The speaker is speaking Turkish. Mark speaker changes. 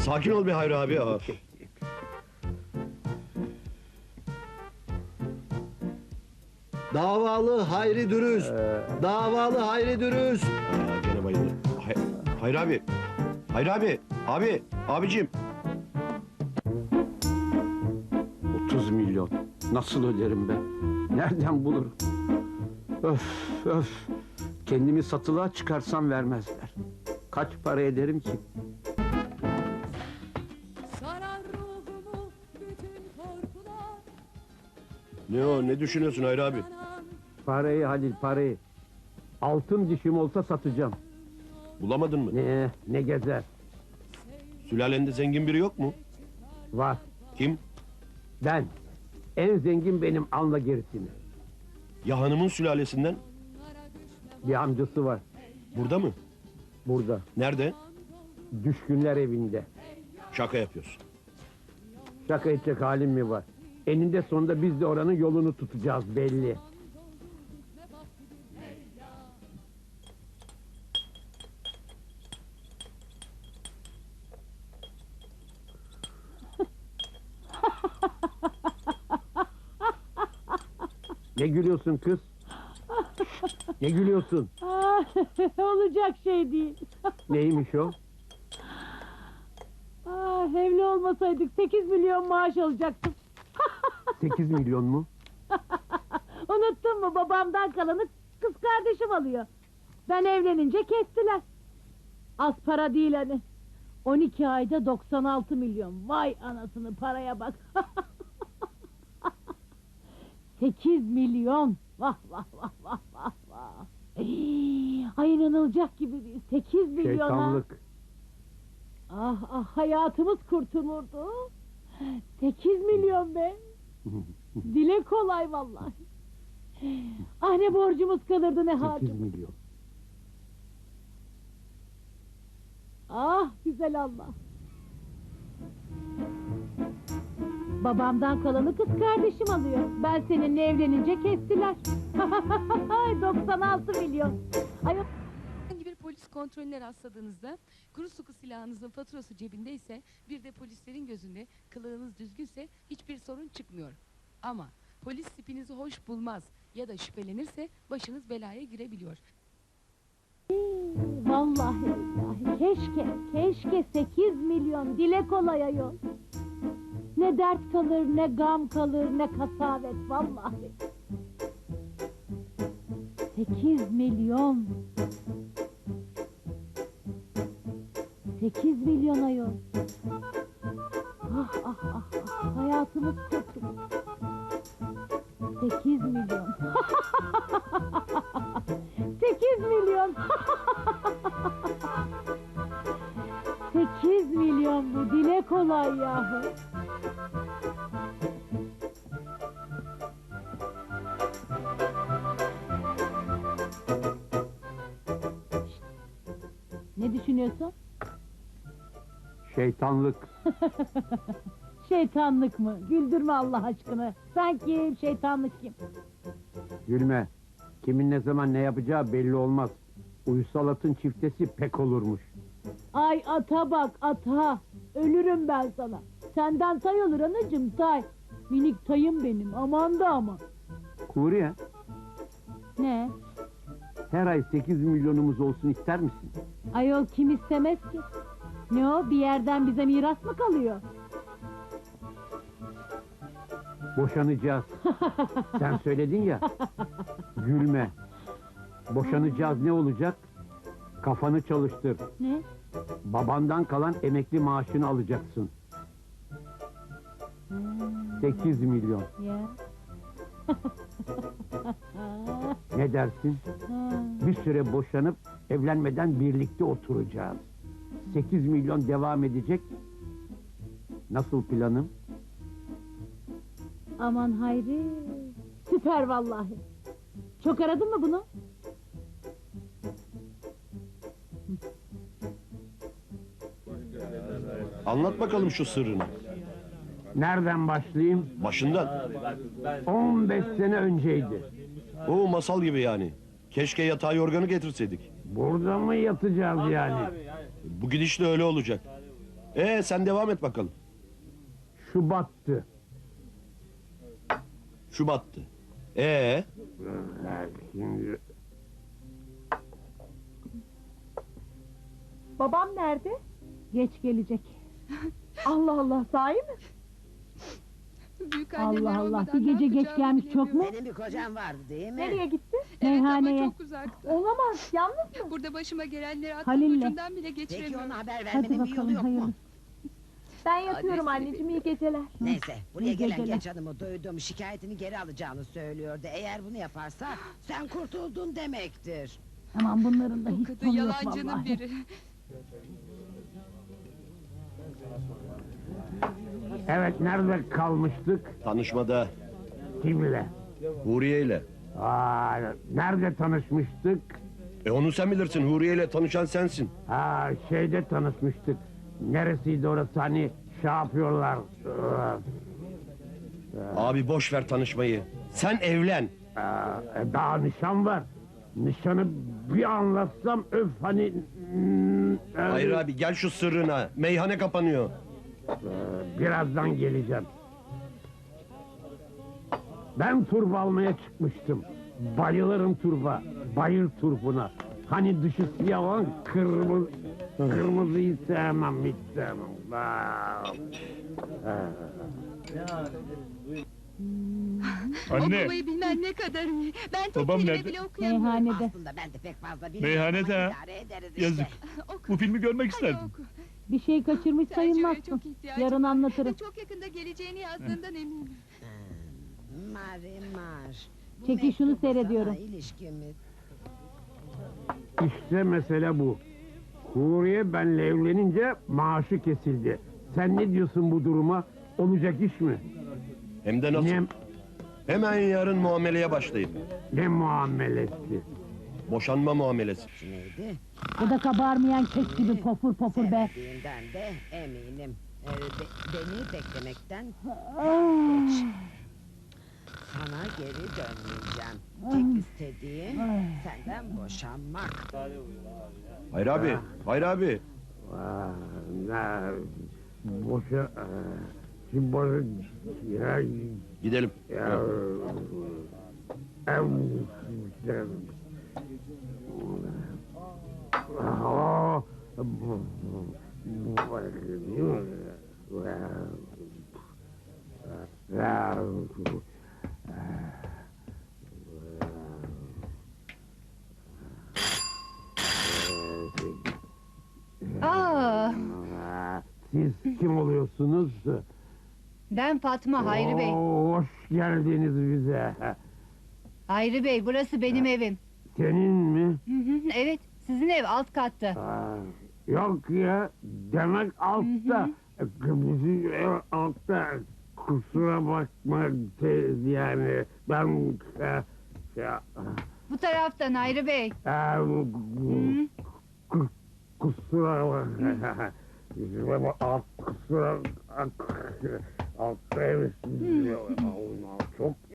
Speaker 1: Sakin ol be Hayri abi.
Speaker 2: Davalı Hayri Dürüst. Davalı Hayri Dürüst.
Speaker 1: Gene bayıldı. Hayri abi. Hayri abi. Abicim.
Speaker 3: 30 milyon. Nasıl öderim ben? Nereden bulurum? Öf. Kendimi satılığa çıkarsam vermezler. Kaç para ederim ki?
Speaker 4: Sarar ruhumu bütün korkular.
Speaker 1: Ne o? Ne düşünüyorsun Hayri abi?
Speaker 3: Parayı Halil, parayı. Altın dişim olsa satacağım.
Speaker 1: Bulamadın mı?
Speaker 3: Ne gezer?
Speaker 1: Sülalende zengin biri yok mu?
Speaker 3: Var.
Speaker 1: Kim?
Speaker 3: Ben. En zengin benim, anla gerisini.
Speaker 1: Ya hanımın sülalesinden?
Speaker 3: Bir amcası var.
Speaker 1: Burada mı?
Speaker 3: Burada.
Speaker 1: Nerede?
Speaker 3: Düşkünler evinde.
Speaker 1: Şaka yapıyorsun.
Speaker 3: Şaka edecek halim mi var? Eninde sonunda biz de oranın yolunu tutacağız belli. Ne gülüyorsun kız? Ne gülüyorsun?
Speaker 5: Olacak şey değil.
Speaker 3: Neymiş o?
Speaker 5: Evli olmasaydık 8 milyon maaş alacaktım.
Speaker 3: 8 milyon mu?
Speaker 5: Unuttun mu, babamdan kalanı kız kardeşim alıyor. Ben evlenince kestiler. Az para değil hani. 12 ayda 96 milyon. Vay anasını, paraya bak. 8 milyon. Vah. Ay, inanılacak gibi değil. 8 milyon.
Speaker 3: Şeytanlık.
Speaker 5: Hayatımız kurtulurdu. 8 milyon be. Dile kolay vallahi. Ne borcumuz kalırdı, ne
Speaker 3: 8
Speaker 5: harcımız.
Speaker 3: milyon.
Speaker 5: Güzel Allah. Babamdan kalanı kız kardeşim alıyor. Ben seninle evlenince kestiler. 96 milyon.
Speaker 4: Herhangi bir polis kontrolüne rastladığınızda, kuru sıkı silahınızın faturası cebindeyse, bir de polislerin gözünde kılığınız düzgünse hiçbir sorun çıkmıyor. Ama polis tipinizi hoş bulmaz ya da şüphelenirse başınız belaya girebiliyor.
Speaker 5: Vallahi billahi, keşke 8 milyon, dile kolay ayol. Ne dert kalır, ne gam kalır, ne kasavet vallahi. 8 milyon. 8 milyon ayol. Hayatımız kurtuldu. 8 milyon. 8 milyon. 8 milyon bu, dile kolay yahu. Ne düşünüyorsun?
Speaker 3: Şeytanlık.
Speaker 5: Şeytanlık mı? Güldürme Allah aşkına. Sen kim, şeytanlık kim?
Speaker 3: Gülme. Kimin ne zaman ne yapacağı belli olmaz. Uysal atın çiftesi pek olurmuş.
Speaker 5: Ay ata bak, ata. Ölürüm ben sana. Senden tay olur anacığım, tay. Minik tayım benim, aman da aman.
Speaker 3: Kuriye,
Speaker 5: Ne?
Speaker 3: her ay 8 milyonumuz olsun ister misin?
Speaker 5: Ayol kim istemez ki? Ne o, bir yerden bize miras mı kalıyor?
Speaker 3: Boşanacağız. Sen söyledin ya. Gülme. Boşanacağız, ne olacak? Kafanı çalıştır.
Speaker 5: Ne?
Speaker 3: Babandan kalan emekli maaşını alacaksın. 8 milyon.
Speaker 5: Ya.
Speaker 3: Ne dersin? Bir süre boşanıp evlenmeden birlikte oturacağız. 8 milyon devam edecek. Nasıl planım?
Speaker 5: Aman Hayri. Süper vallahi. Çok aradın mı bunu?
Speaker 1: Anlat bakalım şu sırrını.
Speaker 3: Nereden başlayayım?
Speaker 1: Başından.
Speaker 3: 15 sene önceydi.
Speaker 1: O masal gibi yani. Keşke yatağı yorganı getirseydik.
Speaker 3: Burada mı yatacağız yani?
Speaker 1: Bu gidişle öyle olacak. Sen devam et bakalım.
Speaker 3: Şu battı.
Speaker 1: Şu battı.
Speaker 3: Şimdi
Speaker 5: Babam nerede? Geç gelecek. Allah Allah, sahi mi?
Speaker 4: Büyük annemler
Speaker 5: Allah Allah,
Speaker 4: olmadan
Speaker 5: bir
Speaker 4: ne
Speaker 5: gece geç
Speaker 4: yapacağımı
Speaker 5: gelmiş çok mu?
Speaker 6: Senin bir kocan vardı değil mi?
Speaker 5: Nereye gitti?
Speaker 4: Evet ama
Speaker 5: Meyhaneye.
Speaker 4: çok uzakta.
Speaker 5: Olamaz, yalnız mı?
Speaker 4: Burada başıma gelenleri aklım
Speaker 5: Halil'le.
Speaker 4: ucundan bile
Speaker 6: Peki
Speaker 4: geçiremiyorum.
Speaker 6: ona haber
Speaker 5: Hadi
Speaker 6: vermenin bir yolu
Speaker 5: bakalım,
Speaker 6: yok mu?
Speaker 5: hayırlısı. Ben
Speaker 4: yatıyorum
Speaker 5: anneciğim, iyi geceler.
Speaker 6: Neyse, buraya
Speaker 5: İyi
Speaker 6: gelen
Speaker 5: geceler.
Speaker 6: genç hanımı duydum, şikayetini geri alacağını söylüyordu. Eğer bunu yaparsa sen kurtuldun demektir.
Speaker 5: Aman bunların da
Speaker 4: Bu
Speaker 5: hiç
Speaker 4: kadın
Speaker 5: sonu yok
Speaker 4: yalancının
Speaker 5: vallahi.
Speaker 4: biri.
Speaker 3: evet, nerede kalmıştık?
Speaker 1: Tanışmada
Speaker 3: Kimle?
Speaker 1: Huriye ile.
Speaker 3: Nerede tanışmıştık?
Speaker 1: Onu sen bilirsin. Huriye ile tanışan sensin.
Speaker 3: Şeyde tanışmıştık. Neresiydi orası, hani şey yapıyorlar.
Speaker 1: Abi boş ver tanışmayı. Sen evlen.
Speaker 3: Daha nişan var. Nişanı bir anlatsam öf hani...
Speaker 1: Hayır abi gel şu sırrına. Meyhane kapanıyor.
Speaker 3: Birazdan geleceğim. Ben turba almaya çıkmıştım. Bayılırım turba. Bayır turpuna. Hani dışı siyah olan kırmızı... Kırmızıyı sevmem, hiç sevmem.
Speaker 7: Anne,
Speaker 4: Okumayı bilmen ne kadar iyi. Ben tek
Speaker 7: Babam
Speaker 4: kelime
Speaker 7: nerede?
Speaker 4: bile okuyamıyorum.
Speaker 5: Meyhanede.
Speaker 6: Aslında ben de pek fazla bilmiyorum
Speaker 7: Meyhanede
Speaker 6: ama
Speaker 7: ha.
Speaker 6: idare ederiz işte.
Speaker 7: Yazık.
Speaker 4: Oku.
Speaker 7: Bu filmi görmek
Speaker 4: Hadi
Speaker 7: isterdim.
Speaker 4: oku.
Speaker 5: Bir şey kaçırmış
Speaker 4: Sergio'ya
Speaker 5: sayılmazsın.
Speaker 4: çok ihtiyacım
Speaker 5: Yarın
Speaker 4: var.
Speaker 5: anlatırım.
Speaker 4: Ve çok yakında geleceğini yazdığından eminim.
Speaker 6: Marimar. Bu
Speaker 5: Çekil şunu
Speaker 6: mektubu
Speaker 5: seyrediyorum.
Speaker 6: sana ilişkimiz.
Speaker 3: İşte mesele bu. Huriye benle evlenince maaşı kesildi. Sen ne diyorsun bu duruma? Olacak iş mi?
Speaker 1: Hem de nasıl?
Speaker 3: Ne,
Speaker 1: Hemen yarın muameleye başlayın.
Speaker 3: ne muamelesi?
Speaker 1: Boşanma muamelesi.
Speaker 6: Neydi?
Speaker 5: Bu da kabarmayan kek gibi popur popur be.
Speaker 6: Sevdiğinden de eminim. Beni beklemekten
Speaker 5: Ah,
Speaker 6: geç. Sana geri dönmeyeceğim. Tek istediğim senden boşanmak.
Speaker 1: Hayır abi. Hayır abi.
Speaker 3: Boşa... Şimdi boşa... Ya...
Speaker 1: Gidelim.
Speaker 3: Ya... Siz kim oluyorsunuz?
Speaker 8: Ben Fatma Hayri Bey.
Speaker 3: Hoş geldiniz bize.
Speaker 8: Hayri Bey, burası benim evim.
Speaker 3: Senin mi?
Speaker 8: Hı hı, evet, sizin ev alt katta.
Speaker 3: Yok ya, demek altta. Bizim ev altta. Kusura bakma yani ben...
Speaker 8: Bu taraftan Hayri Bey.
Speaker 3: Kusura bakma. Bizim ev alt kusura... Altta ev. Çok